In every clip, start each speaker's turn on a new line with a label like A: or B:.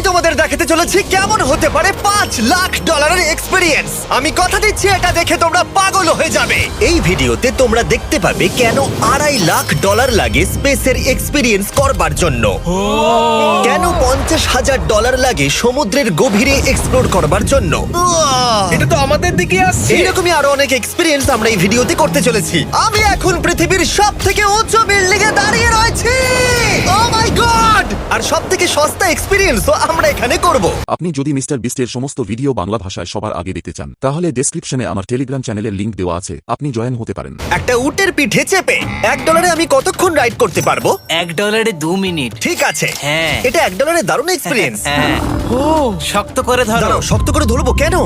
A: তোমাদের দেখাতে চলেছি কেমন হতে পারে $5 লাখ এক্সপিরিয়েন্স। আমি কথা দিচ্ছি এটা দেখে তোমরা পাগল হয়ে যাবে। এই ভিডিওতে তোমরা দেখতে পাবে কেন $2.5 লাখ লাগে স্পেসের এক্সপিরিয়েন্স করবার জন্য, কেন $50,000 লাগে সমুদ্রের গভীরে এক্সপ্লোর করবার জন্য।
B: এটা তো আমাদের দিকে আসছে।
A: এইরকমই আরো অনেক এক্সপিরিয়েন্স আমরা এই ভিডিওতে করতে চলেছি। আমি এখন পৃথিবীর সবথেকে উঁচু বিল্ডিং এ দাঁড়িয়ে রয়েছি। ও মাই গড! আর সবথেকে সস্তা এক্সপিরিয়েন্সও আমরা এখানে করব।
C: আপনি যদি মিস্টার বিস্টের সমস্ত ভিডিও বাংলা ভাষায় সবার আগে দেখতে চান তাহলে ডেসক্রিপশনে আমার টেলিগ্রাম চ্যানেলের লিংক দেওয়া আছে, আপনি জয়েন হতে পারেন।
A: একটা উটের পিঠে চেপে $1 আমি কতক্ষণ রাইড করতে পারবো?
D: $1 2 মিনিট।
A: ঠিক আছে,
D: হ্যাঁ।
A: এটা $1 দারুণ এক্সপিরিয়েন্স।
D: হ্যাঁ। শক্ত করে ধরো।
A: দাঁড়াও, শক্ত করে ধরবো কেন?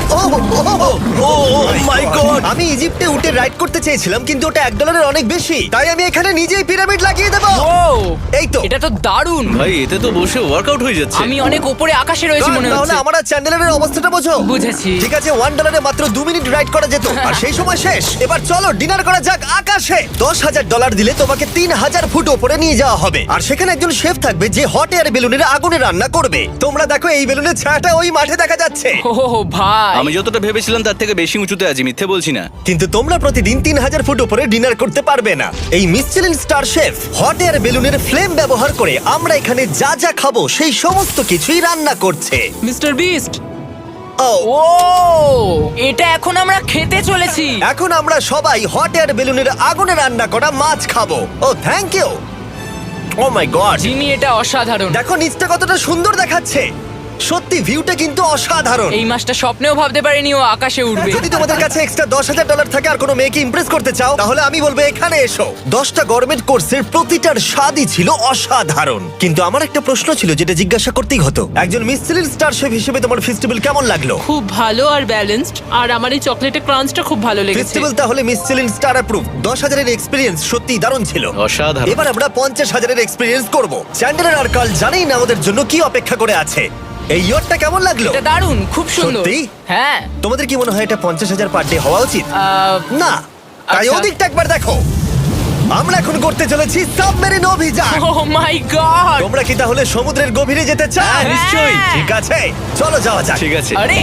A: Oh my god! আমি ইজিপ্টে উটে রাইড করতে চেয়েছিলাম কিন্তু ওটা $1 অনেক বেশি, তাই আমি এখানে নিজেই পিরামিড লাগিয়ে দেবো। এই তো।
E: এটা তো দারুণ।
B: ভাই এতে তো বসে ওয়ার্কআউট হয়ে যাচ্ছে।
E: আমি অনেক উপরে আকাশে রয়েছি মনে
A: তাহলে
E: হচ্ছে।
A: আমার আর চ্যান্ডেলের অবস্থাটা বোঝো।
E: বুঝেছি।
A: ঠিক আছে, $1 মাত্র 2 মিনিট রাইড করা যেত আর সেই সময় শেষ। এবার চলো ডিনার করা যাক আকাশে। $10,000 দিলে তোমাকে 3,000 ফুট উপরে নিয়ে যাওয়া হবে আর সেখানে একজন শেফ থাকবে যে হট এয়ার বেলুনের আগুনে রান্না করবে। তোমরা দেখো এই বেলুনের ছায়াটা ওই মাঠে দেখা যাচ্ছে।
E: ও ভাই,
B: আমি যতটা ভেবেছিলাম তার থেকে বেশি উঁচুতে আছি, মিথ্যে বলছি না।
A: কিন্তু তোমরা প্রতিদিন 3,000 ফুট উপরে ডিনার করতে পারবে না। এই Michelin star chef hot air বেলুনের ফ্লেম ব্যবহার করে আমরা এখানে যা যা খাবো সেই সমস্ত কিছুই রান্না করছে।
E: Mister beast.
A: ও
E: ও, এটা এখন আমরা খেতে চলেছি।
A: এখন আমরা সবাই হট এয়ার বেলুনের আগুনে রান্না করা মাছ খাবো। Oh thank you. Oh my god,
E: Jimmy, এটা অসাধারণ।
A: দেখো নিচটা কতটা সুন্দর দেখাচ্ছে। সত্যি ভিউটা কিন্তু অসাধারণ।
E: এই মাসটা স্বপ্নেও ভাবতে পারিনি ও আকাশে উঠবে।
A: যদি তোমাদের কাছে এক্সট্রা $10,000 থাকে আর কোনো মেয়েকে ইমপ্রেস করতে চাও তাহলে আমি বলবো এখানে এসো। 10টা গরমেট কোর্সের প্রতিটার স্বাদই ছিল অসাধারণ। কিন্তু আমার একটা প্রশ্ন ছিল যেটা জিজ্ঞাসা করতেই হতো, একজন মিশেলিন স্টার শেফ হিসেবে তোমার ফেস্টিভ্যাল কেমন লাগলো?
F: খুব ভালো আর ব্যালেন্সড, আর আমার এই চকলেটের ক্রাঞ্চটা খুব ভালো লেগেছে।
A: ফেস্টিভ্যাল তাহলে মিশেলিন স্টার অ্যাপ্রুভ। 10,000 এর এক্সপেরিয়েন্স সত্যি দারুণ ছিল।
B: অসাধারণ।
A: এবার আমরা 50,000 এর এক্সপেরিয়েন্স করব। চ্যান্ডেলার আর কার্ল জানেই না আমাদের জন্য কি অপেক্ষা করে আছে। এই ইয়ারটা কেমন লাগলো?
E: এটা দারুণ, খুব সুন্দর।
A: সত্যি?
E: হ্যাঁ।
A: তোমাদের কি মনে হয় এটা 50,000 পার ডে হওয়া উচিত? না, তাই
E: আচ্ছা।
A: ওদিকটা একবার দেখো। আমরা এখন করতে চলেছি সাবমেরিন অভিযান।
E: Oh my god.
A: তোমরা কি তাহলে সমুদ্রের গভীরে যেতে চাও?
E: হ্যাঁ, নিশ্চয়ই।
A: ঠিক আছে, চলো যাওয়া যাক।
B: ঠিক আছে।
E: আরে,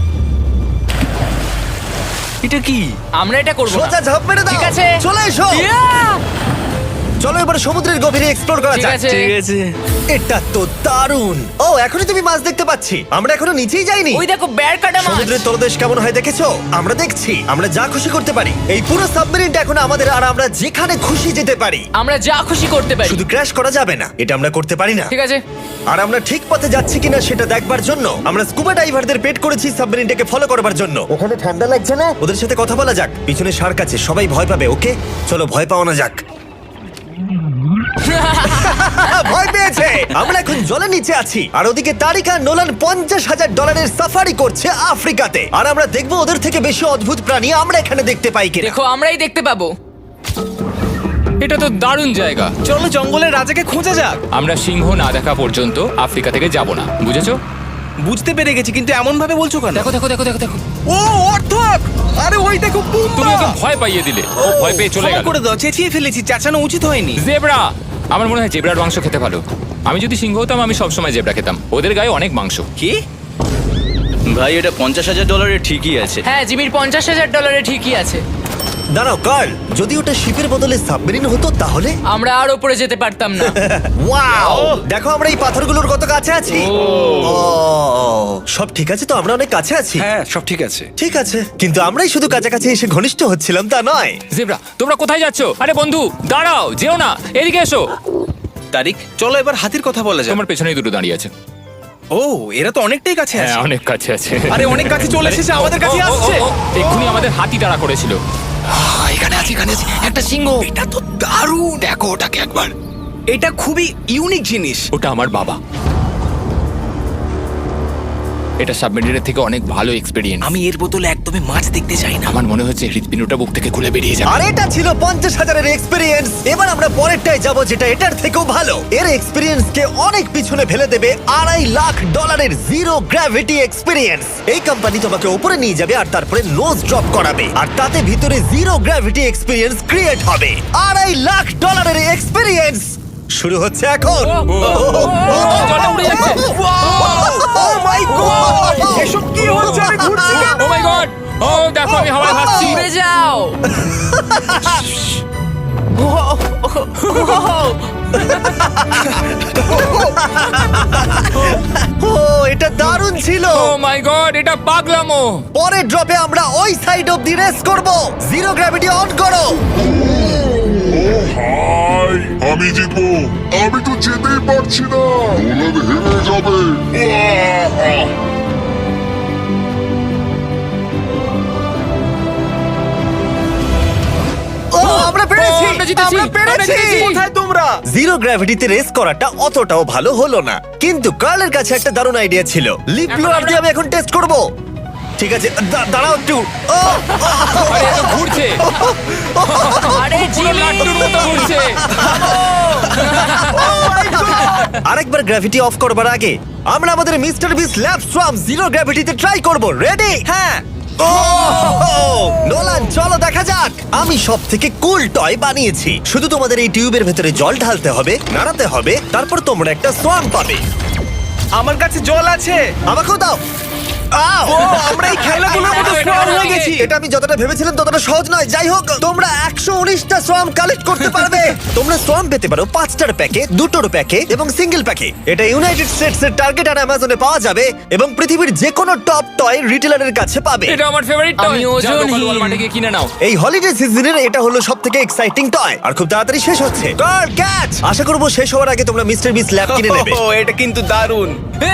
B: এটা কি?
E: আমরা এটা করব না।
A: সোজা ঝাঁপ মেরে দাও।
E: ঠিক আছে।
A: চলে এসো।
E: Yeah!
A: চলো এবার সমুদ্রের গভীরে এক্সপ্লোর করা
E: ঠিক
A: যাক।
E: আছে।
B: ঠিক আছে।
A: এটা তো দারুণ। ও, এখনই তুমি মাছ দেখতে পাচ্ছি। আমরা এখনো নিচেই যাইনি।
E: ওই দেখো, বের কাটা মাছ।
A: সমুদ্রের তলদেশ কেমন হয় দেখেছো? আমরা দেখছি, আমরা যা খুশি করতে পারি। এই পুরো সাবমেরিনটা এখন আমাদের আর আমরা যেখানে খুশি যেতে পারি।
E: আমরা যা খুশি করতে পারি।
A: শুধু ক্র্যাশ করা যাবে না, এটা আমরা করতে পারি না।
E: ঠিক আছে।
A: আর আমরা ঠিক পথে যাচ্ছি কিনা সেটা দেখবার জন্য আমরা স্কুবা ডাইভারদের পেড করেছি সাবমেরিনটাকে ফলো করবার জন্য। ওখানে ঠান্ডা লাগছে না? ওদের সাথে কথা বলা যাক। পিছনে শার্ক আছে, সবাই ভয় পাবে। ওকে, চলো ভয় পাওয়া যাক। ভয় পেয়েছে। আমরা এখন জলের নিচে আছি আর ওদিকে তারিকা নোলান $50,000 সাফারি করছে আফ্রিকাতে। আর আমরা দেখবো ওদের থেকে বেশি অদ্ভুত প্রাণী আমরা এখানে দেখতে পাই কিনা।
E: দেখো, আমরাই দেখতে পাবো।
G: এটা তো দারুণ জায়গা।
B: চলো জঙ্গলের রাজাকে খোঁজা যাক।
G: আমরা সিংহ না দেখা পর্যন্ত আফ্রিকা থেকে যাব না, বুঝেছো?
B: বুঝতে পেরে গেছি, কিন্তু এমন ভাবে বলছো কেন?
G: দেখো দেখো দেখো দেখো দেখো,
B: ও অর্থক! আরে ওই দেখো বুম্বা!
G: তুমি ওকে ভয় পাইয়ে দিলে, ও ভয় পেয়ে চলে
B: ক্ষমা
G: গেল।
B: করে দাও, চেঁচিয়ে ফেলেছি, চাচানো উচিত হয়নি।
G: জেব্রা, আমার মনে হয় জেব্রার মাংস খেতে ভালো। আমি যদি সিংহ হতাম আমি সবসময় জেব্রা খেতাম, ওদের গায়ে অনেক মাংস।
B: কি? ভাই এটা $50,000 ঠিকই আছে।
E: হ্যাঁ, জিমির $50,000 ঠিকই আছে।
A: দাঁড়াও কার্ল, যদি ওটা শিপের বদলে সাবমেরিন হতো তাহলে?
E: আমরা আর উপরে যেতে পারতাম না।
A: ওয়াও, দেখো আমরা এই পাথরগুলোর কত কাছে আছি। ও, সব ঠিক আছে তো? আমরা অনেক কাছে আছি।
B: হ্যাঁ সব ঠিক আছে।
A: ঠিক আছে, কিন্তু আমরাই শুধু কাছাকাছি এসে ঘনিষ্ঠ হচ্ছিলাম তা নয়।
G: জেব্রা, তোমরা কোথায় যাচ্ছো? আরে বন্ধু দাঁড়াও, যেও না, এদিকে এসো।
B: তারিক, চলো এবার হাতির কথা বলা যাক।
G: তোমার পেছনেই দুটো দাঁড়িয়ে আছে।
B: ও, এরা তো অনেকটাই কাছে
G: হ্যাঁ,
B: আছে।
G: অনেক কাছে আছে।
B: আরে অনেক কাছে চলে এসেছে, আমাদের কাছে আসছে।
G: এক্ষুনি আমাদের হাতি তাড়া করেছিল।
D: এখানে আছে একটা সিংহ।
B: এটা তো দারুণ।
D: দেখো ওটাকে একবার।
B: এটা খুবই ইউনিক জিনিস।
G: ওটা আমার বাবা। এটা সাবমেরিনের থেকে অনেক ভালো এক্সপেরিয়েন্স।
D: আমি এর বোতলে একদমই মাছ দেখতে চাই না।
G: আমার মনে হচ্ছে হৃৎপিণ্ডটা বুক থেকে খুলে বেরিয়ে যাবে।
A: আর এটা ছিল 50,000 এর এক্সপেরিয়েন্স। এবার আমরা পরেরটায় যাব যেটা এটার থেকেও ভালো। এর এক্সপেরিয়েন্স কে অনেক পিছনে ফেলে দেবে। $2.5 লাখ জিরো গ্র্যাভিটি এক্সপেরিয়েন্স। এই কোম্পানি তোমাকে উপরে নিয়ে যাবে আর তারপরে নোজ ড্রপ করাবে আর তাতে ভিতরে জিরো গ্র্যাভিটি এক্সপেরিয়েন্স ক্রিয়েট হবে। $2.5 লাখ এর এক্সপেরিয়েন্স শুরু হচ্ছে এখন।
G: জলটা উড়ে যাচ্ছে। দেখো আমি হাওয়ায় ভাসছি।
E: উড়ে যাও।
A: ও এটা দারুণ ছিল।
G: ও মাই গড, এটা পাগলামো।
A: পরের ড্রপে আমরা ওই সাইড অফ দি রেস করব। জিরো গ্র্যাভিটি অন করো।
H: হাই আমি জিতবো, আমি তো যেতেই পারছি না, নোলান হেরে যাবে।
A: ও আমরা পেরেছি,
G: আমরা জিতেছি,
A: আমরা পেরেছি।
G: আমরা জিতেছি।
A: কোথায় তোমরা? জিরো গ্র্যাভিটিতে রেস করাটা অতটাও ভালো হলো না, কিন্তু কার্লের কাছে একটা দারুণ আইডিয়া ছিল। লিপ ব্লোয়ার দিয়ে আমি এখন টেস্ট করব। ঠিক আছে, দাঁড়াও একটু। ও,
G: আরে এত ঘুরছে,
E: আরে
G: পুরো
E: জিমি।
G: লাট্টুর মতো ঘুরছে।
A: আরেকবার গ্র্যাভিটি অফ করবার আগে আমরা আমাদের Mr Beast lab swarm zero গ্র্যাভিটিতে ট্রাই করব। রেডি? হ্যাঁ। ও নোলান, চলো দেখা যাক। আমি সব থেকে কুল টয় বানিয়েছি। শুধু তোমাদের এই টিউবের ভেতরে জল ঢালতে হবে, নাড়াতে হবে, তারপর তোমরা একটা সোয়াম পাবে।
D: আমার কাছে জল আছে।
A: আমাকেও দাও। আও!
D: আমরা এই খেলাগুলোর মতো স্মার্ট হয়ে গেছি।
A: এটা আমি যতটা ভেবেছিলাম ততটা সহজ নয়। যাই হোক, তোমরা 119টা সোয়াম কালেক্ট করতে পারবে। তোমরা সোয়াম পেতে পারো 5টার প্যাকে, 2টোর প্যাকে এবং সিঙ্গেল প্যাকে। এটা ইউনাইটেড স্টেটস এর টার্গেট আর অ্যামাজনে পাওয়া যাবে এবং পৃথিবীর যে কোনো টপ টয় রিটেলারের কাছে পাবে।
G: এটা আমার ফেভারিট টয়।
E: আমি ওজনহীন।
G: ওয়ালমার্টে গিয়ে কিনে নাও।
A: এই হলিডে সিজনের এটা হলো সবথেকে এক্সাইটিং টয় আর খুব তাড়াতাড়ি শেষ হচ্ছে। Guard catch! আশা করব শেষ হওয়ার আগে তোমরা মিস্টার বিস ল্যাব কিনে নেবে।
D: ও এটা কিন্তু দারুণ।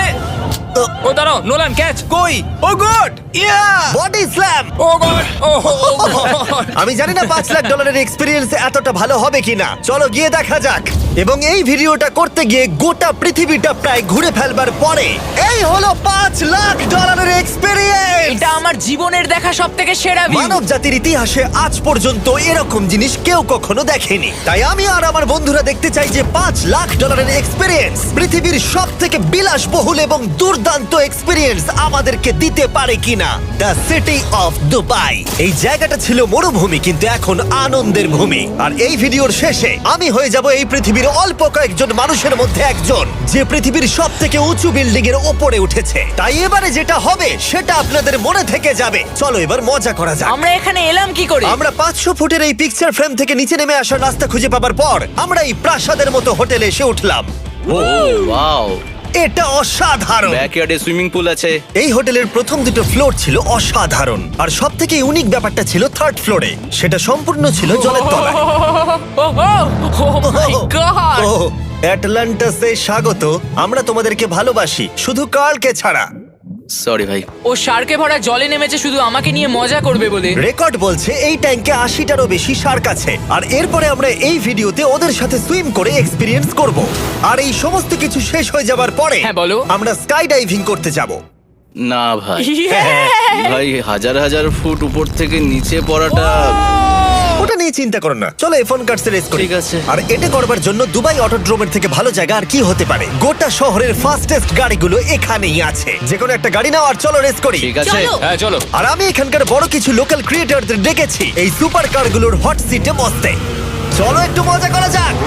G: ও দাঁড়াও, নোলান ক্যাচ।
D: কই? Oh god! Yeah!
A: Body slam!
G: Oh god, oh god.
A: আমি জানি না $5 লাখ এক্সপেরিয়েন্স এতটা ভালো হবে কিনা। চলো গিয়ে দেখা যাক। এবং এই ভিডিওটা করতে গিয়ে গোটা পৃথিবীটা প্রায় ঘুরে ফেলবার পরে এই হলো $5 লাখ এক্সপেরিয়েন্স।
E: এটা আমার জীবনের দেখা সবথেকে সেরা ভিউ।
A: মানব জাতির ইতিহাসে আজ পর্যন্ত এরকম জিনিস কেউ কখনো দেখেনি। তাই আমি আর আমার বন্ধুরা দেখতে চাই যে $5 লাখ এক্সপেরিয়েন্স, পৃথিবীর সব থেকে বিলাসবহুল এবং দুর্দান্ত এক্সপেরিয়েন্স আমাদেরকে দিতে পারে কিনা। The city of Dubai. এই জায়গাটা ছিল মরুভূমি, কিন্তু এখন আনন্দের ভূমি। আর এই ভিডিওর শেষে আমি হয়ে যাব এই পৃথিবীর অল্প কয়েকজন মানুষের মধ্যে একজন, যে পৃথিবীর সব থেকে উঁচু বিল্ডিং এর ওপরে উঠেছে। তাই এবারে যেটা হবে সেটা আপনাদের মনে থেকে যাবে। চলো এবার মজা করা যাক।
E: আমরা এখানে এলাম কি করে?
A: আমরা 500 ফুটের এই পিকচার ফ্রেম থেকে নিচে নেমে আসার রাস্তা খুঁজে পাবার পর আমরা এই প্রাসাদের মতো হোটেলে এসে উঠলাম।
B: ও ওয়াও,
A: এটা অসাধারণ।
B: ব্যাকইয়ার্ডে সুইমিং পুল আছে।
A: এই হোটেলের প্রথম দুটো ফ্লোর ছিল অসাধারণ, আর সব থেকে ইউনিক ব্যাপারটা ছিল থার্ড ফ্লোরে। সেটা সম্পূর্ণ ছিল জলের তলায়।
E: ও মাই গড!
A: ও অ্যাটলান্টাসে স্বাগত। আমরা তোমাদেরকে ভালোবাসি, শুধু কার্লকে ছাড়া।
B: সরি ভাই।
E: ও শার্কে ভরা জলে নেমেছে শুধু আমাকে নিয়ে মজা করবে বলে।
A: রেকর্ড বলছে এই ট্যাঙ্কে 80টারও বেশি শার্ক আছে। আর এরপরে আমরা এই ভিডিওতে ওদের সাথে সুইম করে এক্সপিরিয়েন্স করব। আর এই সমস্ত কিছু শেষ হয়ে যাবার পরে
E: হ্যাঁ, বলো।
A: আমরা স্কাই ডাইভিং করতে যাব।
B: না ভাই,
E: Yeah!
B: ভাই হাজার হাজার ফুট উপর থেকে নিচে পড়াটা।
A: ওটা নিয়ে চিন্তা করো না, চলো ফোন কার্ডস রেস করি।
B: ঠিক আছে।
A: আর এটা করবার জন্য দুবাই অটোড্রোমের থেকে ভালো জায়গা আর কি হতে পারে। গোটা শহরের ফাস্টেস্ট গাড়িগুলো এখানেই আছে। যে কোনো একটা গাড়ি নাও আর চলো রেস করি।
B: ঠিক আছে।
G: হ্যাঁ চলো।
A: আর আমি এখানকার বড় কিছু লোকাল ক্রিয়েটরদের ডেকেছি এই সুপার কারগুলোর হট সিটে বসতে। চলো একটু মজা করা যাক।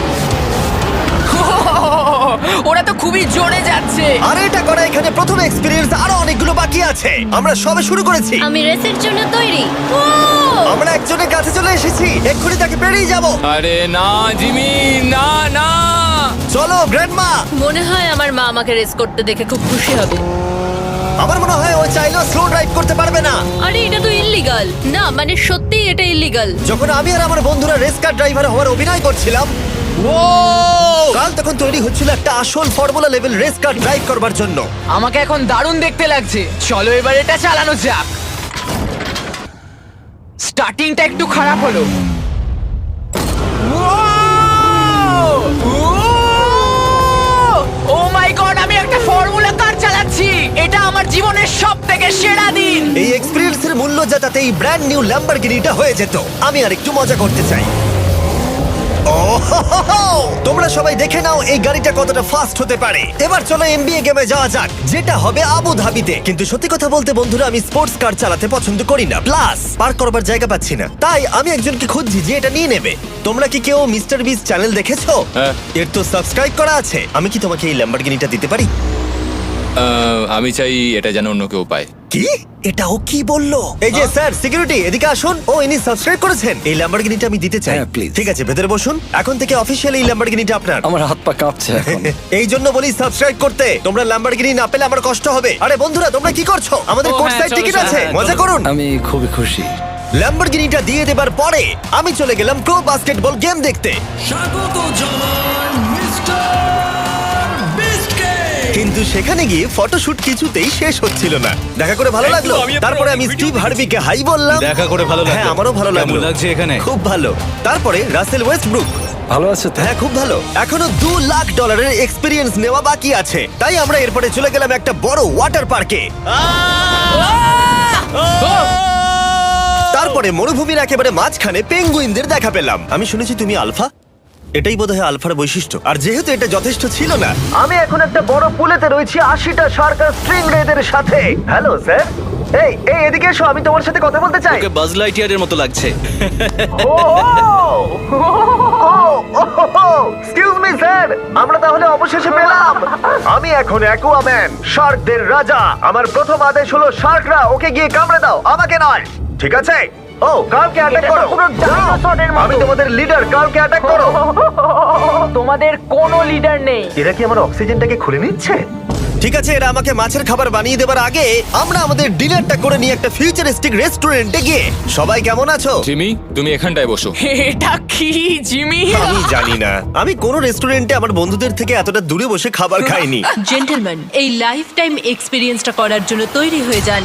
E: ওরা তো খুবই জোরে যাচ্ছে।
A: আর এটা করা এখানে প্রথম এক্সপেরিয়েন্স, আরো অনেকগুলো বাকি আছে। আমরা সবে শুরু করেছি।
I: আমি রেসের জন্য তৈরি। ও
A: আমরা একজনের কাছে চলে এসেছি, এক্ষুনি তাকে পেরিয়ে যাব।
G: আরে না জিমি, না না।
A: চলো গ্র্যান্ডমা।
I: মনে হয় আমার মা আমাকে রেস করতে দেখে খুব খুশি হবে।
A: আমার মনে হয় ও চাইলেও স্লো ড্রাইভ করতে পারবে না।
I: আরে এটা তো ইল্লিগাল। না মানে সত্যিই এটা ইল্লিগাল।
A: যখন আমি আর আমার বন্ধুরা রেস কার ড্রাইভার হওয়ার অভিনয় করছিলাম, কাল তখন তৈরি হচ্ছিল একটা আসল formula level race car drive করবার জন্য।
E: আমাকে এখন দারুণ দেখতে লাগছে। চলো এবার এটা চালানো যাক। স্টার্টিংটা একটু খারাপ হলো। ও মাই গড, আমি একটা ফর্মুলা কার চালাচ্ছি। এটা আমার জীবনের সবথেকে সেরা দিন।
A: এই এক্সপেরিয়েন্সের মূল্য যা, তাতে এই ব্র্যান্ড নিউ ল্যাম্বরগিনিটা হয়ে যেত। আমি আর একটু মজা করতে চাই। তোমরা সবাই দেখে নাও এই গাড়িটা কতটা ফাস্ট হতে পারে। এবার চলো এমবিএ গেমে যাওয়া যাক, যেটা হবে আবু ধাবিতে। কিন্তু সত্যি কথা বলতে বন্ধুরা, আমি স্পোর্টস কার চালাতে পছন্দ করি না, প্লাস পার্ক করবার জায়গা পাচ্ছি না। তাই আমি একজনকে খুঁজছি যে এটা নিয়ে নেবে। তোমরা কি কেউ মিস্টার বিস চ্যানেল দেখেছো?
G: হ্যাঁ।
A: এর তো সাবস্ক্রাইব করা আছে। আমি কি তোমাকে এই ল্যাম্বরগিনিটা দিতে পারি?
G: আমি চাই এটা যেন অন্য কেউ পায়।
A: কি এটা ও কি বললো? এই যে স্যার সিকিউরিটি এদিকে আসুন। ও ইনি সাবস্ক্রাইব করেছেন। এই ল্যাম্বরগিনিটা আমি দিতে চাই।
J: হ্যাঁ, please.
A: ঠিক আছে ভেতরে বসুন। এখন থেকে অফিশিয়ালি এই ল্যাম্বরগিনিটা আপনার।
J: আমার হাত পা কাঁপছে এখন।
A: এই জন্য বলি সাবস্ক্রাইব করতে। তোমরা ল্যাম্বরগিনি না পেলে আমার কষ্ট হবে। আরে বন্ধুরা তোমরা কি করছো? আমাদের
F: ও,
A: কোর্স
F: হ্যাঁ,
A: সাইড
F: চলো,
A: টিকিট
F: চলো,
A: আছে,
F: হ্যাঁ,
A: মজা
F: চলো।
A: করুন।
J: আমি খুবই খুশি।
A: ল্যাম্বরগিনিটা দিয়ে দেবার পরে আমি চলে গেলাম প্রো বাস্কেটবল গেম দেখতে। কিন্তু সেখানে গিয়ে ফটোশুট কিছুতেই শেষ হচ্ছিল না। দেখা করে ভালো লাগলো। তারপরে আমি স্টিভ হার্ভিকে হাই বললাম।
B: দেখা করে ভালো লাগলো।
A: হ্যাঁ আমারও ভালো লাগলো।
B: কেমন লাগছে এখানে?
A: খুব ভালো। তারপরে রাসেল ওয়েস্টব্রুক।
J: ভালো আছে তো?
A: হ্যাঁ খুব ভালো। এখনো $2 লাখ এক্সপিরিয়েন্স নেওয়া বাকি আছে। তাই আমরা এরপরে চলে গেলাম একটা বড় ওয়াটার পার্কে। তারপরে মরুভূমির একেবারে মাঝখানে পেঙ্গুইনদের দেখা পেলাম। আমি শুনেছি তুমি আলফা। এটাই বোধহয় আলফার বৈশিষ্ট্য। আর যেহেতু এটা যথেষ্ট ছিল না, আমি এখন একটা বড় পুলেতে রয়েছি 80টা শার্ক আর স্ট্রিং রেদের সাথে। Hello sir. এই এই এদিকে এসো, আমি তোমার সাথে কথা বলতে চাই।
B: ওকে বাজ লাইটইয়ারের মতো লাগছে।
A: এক্সকিউজ মি স্যার, আমরা তাহলে অবশেষে পেলাম। আমি এখন অ্যাকুয়াম্যান, শার্কদের রাজা। আমার প্রথম আদেশ হলো শার্করা ওকে গিয়ে কামড়ে দাও, আমাকে নয়। ঠিক আছে? ও কার্লকে অ্যাটাক করো। আমি তোমাদের লিডার, কার্লকে অ্যাটাক করো।
E: তোমাদের কোনো লিডার নেই।
A: এরা কি আমার অক্সিজেনটাকে খুলে নিচ্ছে? ঠিক আছে, এরা আমাকে মাছের খাবার বানিয়ে দেবার আগে আমরা আমাদের ডিনারটা করে নিয়ে একটা ফিউচারিস্টিক রেস্টুরেন্টে গিয়ে। সবাই কেমন আছো?
G: জিমি, তুমি এখানটায় বসো।
E: এটা কি জিমি?
A: আমি জানি না, আমি কোন রেস্টুরেন্টে আমার বন্ধুদের থেকে এতটা দূরে বসে খাবার খাইনি।
I: জেন্টলম্যান, এই লাইফ টাইম এক্সপিরিয়েন্সটা করার জন্য তৈরি হয়ে যান।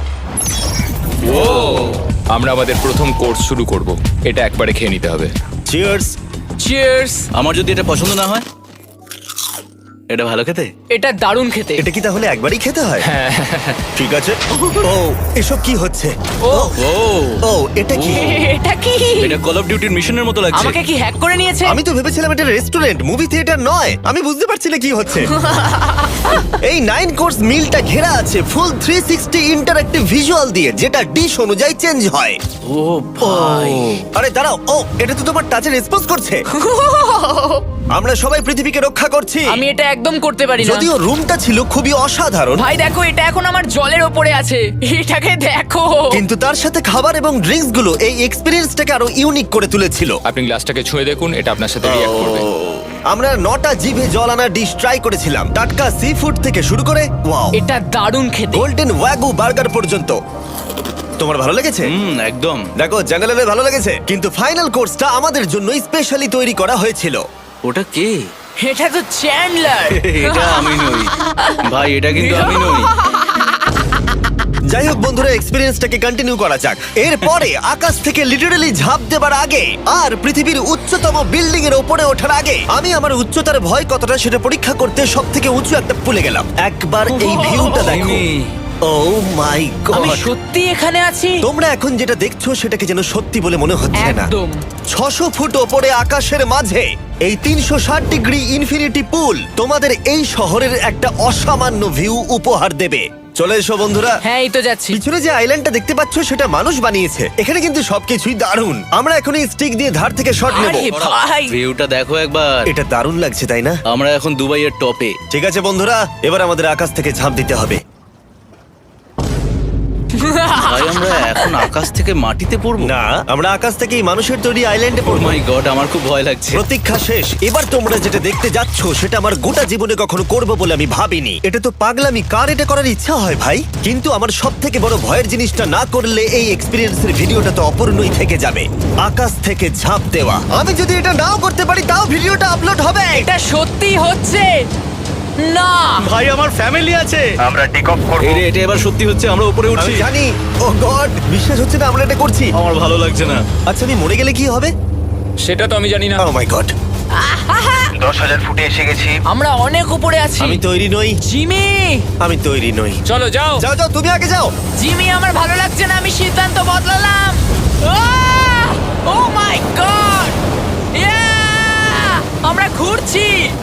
G: আমরা আমাদের প্রথম কোর্স শুরু করব। এটা একবারে খেয়ে নিতে হবে।
A: চিয়ার্স।
E: চিয়ার্স।
B: আমার যদি এটা পছন্দ না হয়? এটা ভালো খেতে?
E: এটা দারুণ খেতে।
A: এটা কি তাহলে একবারই খেতে হয়? ঠিক আছে। ও এসব কি হচ্ছে?
E: ও
B: ও
A: ও এটা কি?
E: এটা কি?
B: এটা কল অফ ডিউটির মিশনের মতো লাগছে।
E: আমাকে কি হ্যাক করে নিয়েছে?
A: আমি তো ভেবেছিলাম এটা রেস্টুরেন্ট, মুভি থিয়েটার নয়। আমি বুঝতে পারছি না কি হচ্ছে। এই 9 কোর্স মিলটা ঘেরা আছে ফুল 360 ইন্টারঅ্যাক্টিভ ভিজুয়াল দিয়ে, যেটা ডিশ অনুযায়ী চেঞ্জ হয়।
B: ও ভাই,
A: আরে দাঁড়াও, ও এটা তো তোমার টাচে রেসপন্স করছে। আমরা সবাই পৃথিবীকে রক্ষা করছি।
E: আমি এটা একদম করতে পারি না।
A: যদিও রুমটা ছিল খুবই অসাধারণ,
E: ভাই দেখো, এটা এখন আমার জলের ওপরে আছে। এটাকে দেখো।
A: কিন্তু তার সাথে খাবার এবং ড্রিঙ্কস গুলো এই এক্সপেরিয়েন্সটাকে আরো ইউনিক করে তুলেছিল।
G: আপনি গ্লাসটাকে ছুঁয়ে দেখুন, এটা আপনার সাথে রিঅ্যাক্ট করবে।
A: আমরা 9টা জিভে জল আনা ডিশ ট্রাই করেছিলাম, টাটকা সি ফুড থেকে শুরু করে ওয়াও
E: এটা দারুণ খেতে।
A: গোল্ডেন ওয়াগু বার্গার পর্যন্ত। তোমার ভালো লেগেছে?
B: একদম।
A: দেখো জঙ্গলের ভালো লেগেছে, কিন্তু ফাইনাল কোর্সটা আমাদের জন্য স্পেশালি তৈরি করা হয়েছিল।
B: ওটা কে?
E: এটা তো চ্যান্ডলার।
B: এটা আমি নই ভাই, এটা কিন্তু আমি নই।
A: যাই হোক বন্ধুরা, এক্সপেরিয়েন্সটাকে কন্টিনিউ করা যাক। এরপরে আকাশ থেকে লিটারালি ঝাঁপ দেবার আগে আর পৃথিবীর উচ্চতম বিল্ডিং এর উপরে ওঠার আগে আমি আমার উচ্চতার ভয় কতটা সেটা পরীক্ষা করতে সব থেকে উঁচু একটা পুলে গেলাম। একবার এই ভিউটা দেখো। ও মাই
E: আমি
A: গড,
E: সত্যি এখানে আছি।
A: তোমরা এখন যেটা দেখছো সেটাকে যেন সত্যি বলে মনে হচ্ছে না।
E: একদম।
A: 600 ফুট ওপরে আকাশের মাঝে এই 360 ডিগ্রি ইনফিনিটি পুল তোমাদের এই শহরের একটা অসামান্য ভিউ উপহার দেবে। চলে এসো বন্ধুরা।
E: হ্যাঁ, এই তো যাচ্ছি।
A: পিছনে যে আইল্যান্ডটা দেখতে পাচ্ছ সেটা মানুষ বানিয়েছে। এখানে কিন্তু সবকিছুই দারুণ। আমরা এখন এই স্টিক দিয়ে ধার থেকে শট নেব।
E: আরে ভাই,
B: ভিউটা দেখো একবার।
A: এটা দারুণ লাগছে তাই না?
B: আমরা এখন দুবাইয়ের টপে।
A: ঠিক আছে বন্ধুরা, এবার আমাদের আকাশ থেকে ঝাঁপ দিতে হবে।
B: ভাই আমরা এখন আকাশ থেকে মাটিতে পড়বো?
A: না, আমরা আকাশ থেকে এই মানুষের তৈরি আইল্যান্ডে
B: ও
A: পড়বো।
B: মাই গড, আমার খুব ভয় লাগছে।
A: প্রতীক্ষা শেষ। এবার তোমরা যেটা দেখতে যাচ্ছ সেটা আমার গোটা জীবনে কখনো করবো বলে আমি ভাবিনি। এটা তো পাগলামি, কার এটা করার ইচ্ছা হয় ভাই? কিন্তু আমার সব থেকে বড় ভয়ের জিনিসটা না করলে এই এক্সপিরিয়েন্সের ভিডিওটা তো অপূর্ণই থেকে যাবে। আকাশ থেকে ঝাঁপ দেওয়া। আমি যদি এটা নাও করতে পারি তাও ভিডিওটা আপলোড হবে।
E: এটা সত্যি হচ্ছে না।
B: ভাই আমার ফ্যামিলি আছে।
A: আমরা টেক অফ করব।
B: এই রে, এটা এবার সত্যি হচ্ছে, আমরা উপরে উঠছি।
A: আমি জানি। ও গড, বিশ্বাস হচ্ছে না আমরা এটা করছি।
B: আমার ভালো লাগছে না।
A: আচ্ছা আমি মরে গেলে কি হবে?
G: সেটা তো আমি জানি না।
A: ও মাই গড,
J: 10,000 ফুটে এসে গেছি।
E: আমরা অনেক উপরে আছি।
A: আমি তৈরি নই।
E: জিমি,
A: আমি তৈরি নই।
G: চলো যাও।
A: যাও যাও, তুমি আগে যাও।
E: জিমি, আমার ভালো লাগছে না। আমি সিদ্ধান্ত বদলালাম। ও মাই গড, আমরা ঘুরছি।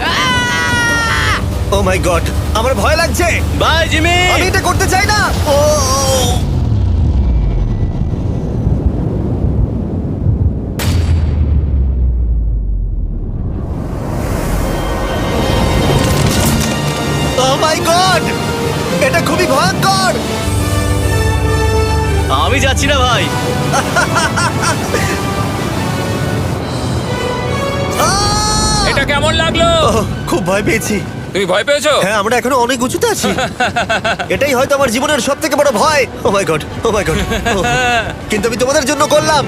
A: ও মাই গড, আমার ভয় লাগছে।
B: Bye Jimmy.
A: আমি এটা করতে চাই না। ও মাই গড, এটা খুবই ভয়ঙ্কর।
B: আমি যাচ্ছি না ভাই।
G: এটা কেমন লাগলো?
A: ওহ, খুব ভয় পেয়েছি।
G: তুমি ভয় পেয়েছো?
A: হ্যাঁ, আমরা এখনো অনেক উঁচুতে আছি। এটাই হয়তো আমার জীবনের সব থেকে বড় ভয়। Oh my god, oh my god. কিন্তু আমি তোমাদের জন্য করলাম।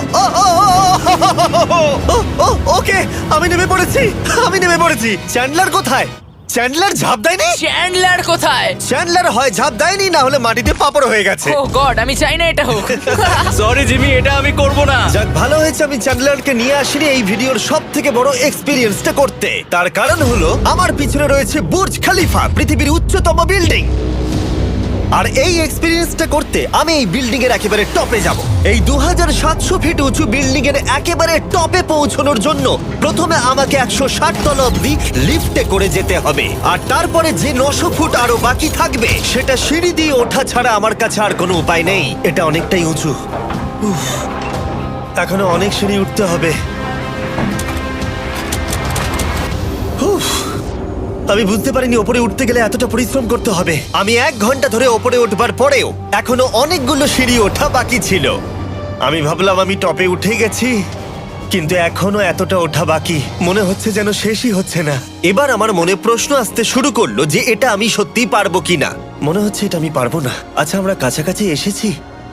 A: ওকে, আমি নেমে পড়েছি, আমি নেমে পড়েছি। চ্যান্ডলার কোথায়? চ্যান্ডলার ঝাঁপ দেয়নি?
E: চ্যান্ডলার কোথায়?
A: চ্যান্ডলার হয় ঝাঁপ দেয়নি, না হলে মাটিতে পাপড় হয়ে গেছে।
E: ও গড, আমি চাই না এটা হোক।
B: সরি জিমি, এটা আমি করব না।
A: যাক, ভালো হয়েছে আমি চ্যান্ডলারকে নিয়ে আসিনি এই ভিডিওর সব থেকে বড় এক্সপিরিয়েন্সটা করতে। তার কারণ হলো আমার পিছনে রয়েছে বুর্জ খলিফা, পৃথিবীর উচ্চতম বিল্ডিং। আর এই এক্সপিরিয়েন্সটা করতে আমি এই বিল্ডিং এর একেবারে টপে যাব। এই 2700 ফিট উঁচু বিল্ডিং এর একেবারে টপে পৌঁছানোর জন্য প্রথমে আমাকে 160 তলা অব্দি লিফটে করে যেতে হবে, আর তারপরে যে 900 ফুট আরো বাকি থাকবে সেটা সিঁড়ি দিয়ে ওঠা ছাড়া আমার কাছে আর কোনো উপায় নেই। এটা অনেকটাই উঁচু। উফ, এখনো অনেক সিঁড়ি উঠতে হবে। উফ, আমি বুঝতে পারিনি ওপরে উঠতে গেলে এতটা পরিশ্রম করতে হবে। আমি 1 ঘন্টা ধরে ওপরে উঠবার পরেও এখনো অনেকগুলো সিঁড়ি ওঠা বাকি ছিল। আমি ভাবলাম আমি টপে উঠে গেছি, কিন্তু এখনো এতটা ওঠা বাকি। মনে হচ্ছে যেন শেষই হচ্ছে না। এবার আমার মনে প্রশ্ন আসতে শুরু করলো যে এটা আমি সত্যিই পারবো কিনা। মনে হচ্ছে এটা আমি পারবো না। আচ্ছা, আমরা কাছাকাছি এসেছি।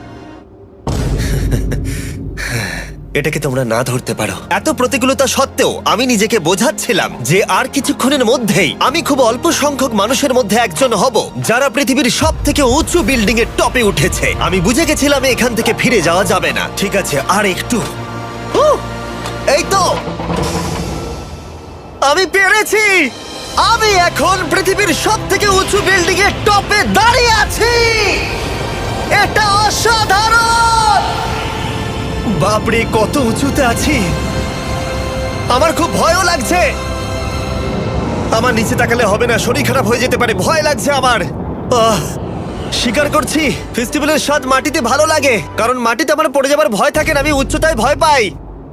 A: এটাকে তোমরা না ধরতে পারো। এত প্রতিকূলতা সত্ত্বেও আমি নিজেকে বোঝাচ্ছিলাম যে আর কিছুক্ষণের মধ্যেই আমি খুব অল্প সংখ্যক মানুষের মধ্যে একজন হব যারা পৃথিবীর সব থেকে উঁচু বিল্ডিং এর টপে উঠেছে। আমি বুঝে গেছিলাম এখান থেকে ফিরে যাওয়া যাবে না। ঠিক আছে, আর একটু। এই তো, আমি পেরেছি। আমি এখন পৃথিবীর সব থেকে উঁচু বিল্ডিং এর টপে দাঁড়িয়ে আছি। এটা অসাধারণ। বাপরে, কত উঁচুতে আছি। আমার খুব ভয়ও লাগছে। আমার নিচে তাকালে হবে না, শরীর খারাপ হয়ে যেতে পারে। ভয় লাগছে আমার। স্বীকার করছি, ফেস্টিভ্যালের স্বাদ মাটিতে ভালো লাগে, কারণ মাটিতে আমার পড়ে যাবার ভয় থাকে না। আমি উচ্চতায় ভয় পাই।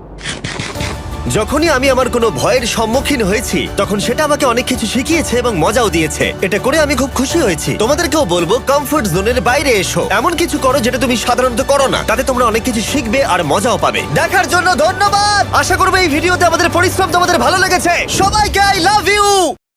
A: যখনই আমি আমার কোনো ভয়ের সম্মুখীন হয়েছি তখন সেটা আমাকে অনেক কিছু শিখিয়েছে এবং মজাও দিয়েছে। এটা করে আমি খুব খুশি হয়েছি। তোমাদেরকেও বলবো কমফোর্ট জোনের বাইরে এসো, এমন কিছু করো যেটা তুমি সাধারণত করো না। তাতে তোমরা অনেক কিছু শিখবে আর মজাও পাবে। দেখার জন্য ধন্যবাদ। আশা করবো এই ভিডিওতে আমাদের পরিশ্রম তোমাদের ভালো লেগেছে। সবাইকে আই লাভ ইউ।